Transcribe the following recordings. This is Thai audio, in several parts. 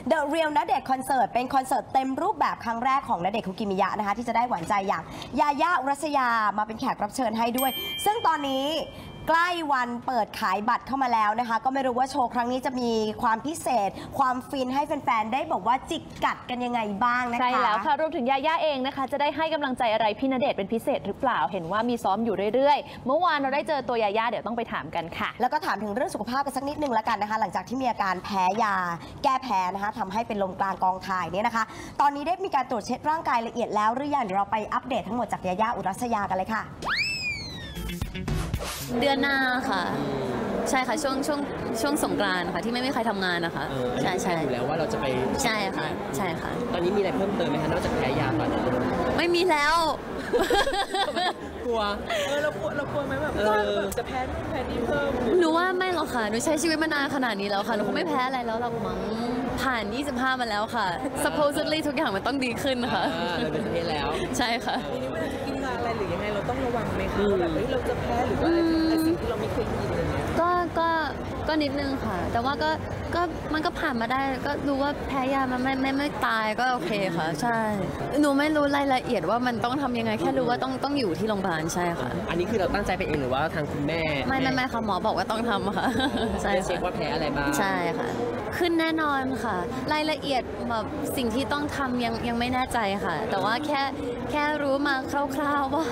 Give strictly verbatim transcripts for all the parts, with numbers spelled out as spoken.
The Real ณเดชน์คอนเสิร์ตเป็นคอนเสิร์ตเต็มรูปแบบครั้งแรกของณเดชน์คุกิมิยะนะคะที่จะได้หวานใจอย่างยาย่าอุรัสยามาเป็นแขกรับเชิญให้ด้วย ซึ่งตอนนี้ใกล้วันเปิดขายบัตรเข้ามาแล้วนะคะก็ไม่รู้ว่าโชว์ครั้งนี้จะมีความพิเศษความฟินให้แฟนๆได้บอกว่าจิกกัดกันยังไงบ้างนะคะใช่แล้วค่ะรวมถึงยาย่าเองนะคะจะได้ให้กำลังใจอะไรพี่ณเดชน์เป็นพิเศษหรือเปล่าเห็นว่ามีซ้อมอยู่เรื่อยๆเมื่อวานเราได้เจอตัวยาย่าเดี๋ยวต้องไปถามกันค่ะแล้วก็ถามถึงเรื่องสุขภาพกันสักนิดนึงแล้วกันนะคะหลังจากที่มีอาการแพ้ยาแก้แพ้นะคะทำให้เป็นลมกลางกองถ่ายเนี่ยนะคะตอนนี้ได้มีการตรวจเช็คร่างกายละเอียดแล้วหรือยังเดี๋ยวเราไปอัปเดตทั้งหมดจากยาย่าอุรัสยากันเลยค่ะเดือนหน้าค่ะใช่ค่ะช่วงช่วงช่วงสงกรานต์ค่ะที่ไม่มีใครทำงานนะคะใช่ใช่อยู่แล้วว่าเราจะไปใช่ค่ะใช่ค่ะตอนนี้มีอะไรเพิ่มเติมไหมคะนอกจากแพ้ยาตอนนี้ไม่มีแล้วกลัวเออเรากลัวเรากลัวไหมแบบแบบจะแพ้แพ้นี่เพิ่มหนูว่าไม่หรอกค่ะหนูใช้ชีวิตมานานขนาดนี้แล้วค่ะหนูคงไม่แพ้อะไรแล้วหรอกมั้งผ่านยี่สิบห้ามาแล้วค่ะ supposedly ทุกอย่างมันต้องดีขึ้นค่ะเราเป็นประเทศแล้วใช่ค่ะทีนี้เวลาจะกินยาอะไรหรือยังไงเราต้องระวังไหมคะว่าแบบเราจะแพ้หรือว่าอะไรสิ่งที่เราไม่เคยกินอะไรเงี้ยก็ก็ก็นิดนึงค่ะแต่ว่าก็ก็มันก็ผ่านมาได้ก็รู้ว่าแพ้ยามันไม่ไม่ไม่ตายก็โอเคค่ะใช่หนูไม่รู้รายละเอียดว่ามันต้องทำยังไงแค่รู้ว่าต้องต้องอยู่ที่โรงพยาบาลใช่ค่ะอันนี้คือเราตั้งใจไปเองหรือว่าทางคุณแม่ไม่ไม่ไม่ค่ะหมอบอกว่าต้องทำค่ะใช่เช็คว่าแพ้อะไรบ้างใช่ค่ะขึ้นแน่นอนค่ะรายละเอียดแบบสิ่งที่ต้องทำยังยังไม่แน่ใจค่ะแต่ว่าแค่แค่รู้มาคร่าวๆว่า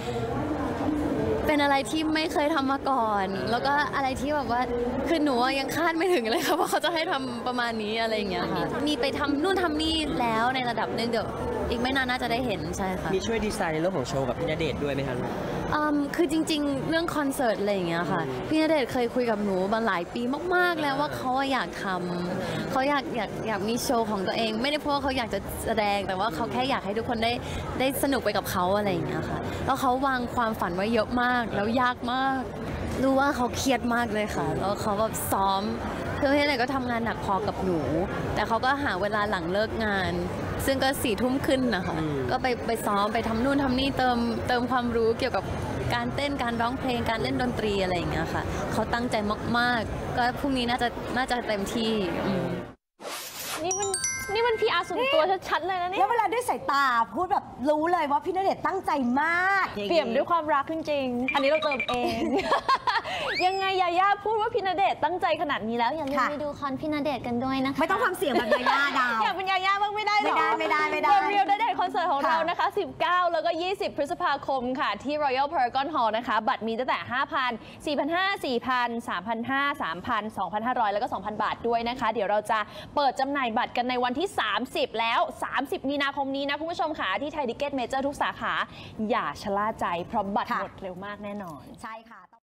เป็นอะไรที่ไม่เคยทำมาก่อนแล้วก็อะไรที่แบบว่าคือหนูยังคาดไม่ถึงเลยค่ะว่าเขาจะให้ทำประมาณนี้อะไรอย่างเงี้ยค่ะมีไปทำนู่นทำนี่แล้วในระดับนึงเดี๋ยวอีกไม่นานน่าจะได้เห็นใช่ค่ะมีช่วยดีไซน์ในเรื่องของโชว์กับพี่ณเดชน์ด้วยไหมคะคือจริงๆเรื่องคอนเสิร์ตอะไรอย่างเงี้ยค่ะพี่ณเดชน์เคยคุยกับหนูมาหลายปีมากๆแล้วว่าเขาอยากทำเขาอยากอยากอยากมีโชว์ของตัวเองไม่ได้เพราะว่าเขาอยากจะแสดงแต่ว่าเขาแค่อยากให้ทุกคนได้ได้สนุกไปกับเขาอะไรอย่างเงี้ยค่ะแล้วเขาวางความฝันไว้เยอะมากแล้วยากมากรู้ว่าเขาเครียดมากเลยค่ะแล้วเขาแบบซ้อมคือพี่ณเดชน์ก็ทำงานหนักพอกับหนูแต่เขาก็หาเวลาหลังเลิกงานซึ่งก็สี่ทุ่มขึ้นนะคะก็ไปไปซ้อมไปทำนู่นทำนี่เติมเติมความรู้เกี่ยวกับการเต้นการร้องเพลงการเล่นดนตรีอะไรอย่างเงี้ยค่ะเขาตั้งใจมากๆก็พรุ่งนี้น่าจะน่าจะเต็มที่นี่มันนี่มันพีอาร์ส่วนตัวชัดๆเลยนะเนี่ยแล้วเวลาด้วยสายตาพูดแบบรู้เลยว่าพี่ณเดชน์ตั้งใจมากเปี่ยมด้วยความรักจริงๆอันนี้เราเติมเอง ยังไงยาย่าพูดว่าพี่ณเดชน์ตั้งใจขนาดนี้แล้วอย่าลืมไปดูคอนพี่ณเดชน์กันด้วยนะคะไม่ต้องทำเสียงแบบยาย่าดาวอยากเป็นยาย่าบ้างไม่ได้หรอไม่ได้ไม่ได้ไม่ได้เรียลณเดชน์คอนเสิร์ตของเรานะคะสิบเก้าแล้วก็ยี่สิบพฤษภาคมค่ะที่ Royal Paragon Hall นะคะบัตรมีตั้งแต่ ห้าพัน สี่พันห้าร้อย สี่พัน สามพันห้าร้อย สามพัน สองพันห้าร้อย แล้วก็ สองพัน บาทด้วยนะคะเดี๋ยวเราจะเปิดจำหน่ายบัตรกันในวันที่สามสิบแล้วสามสิบมีนาคมนี้นะคุณผู้ชมค่ะที่ไทยทิเก็ตเมเจอร์ทุกสาขาอย่าชะล่าใจเพราะบัตรหมดเร็วมากแน่นอนใช่ค่ะ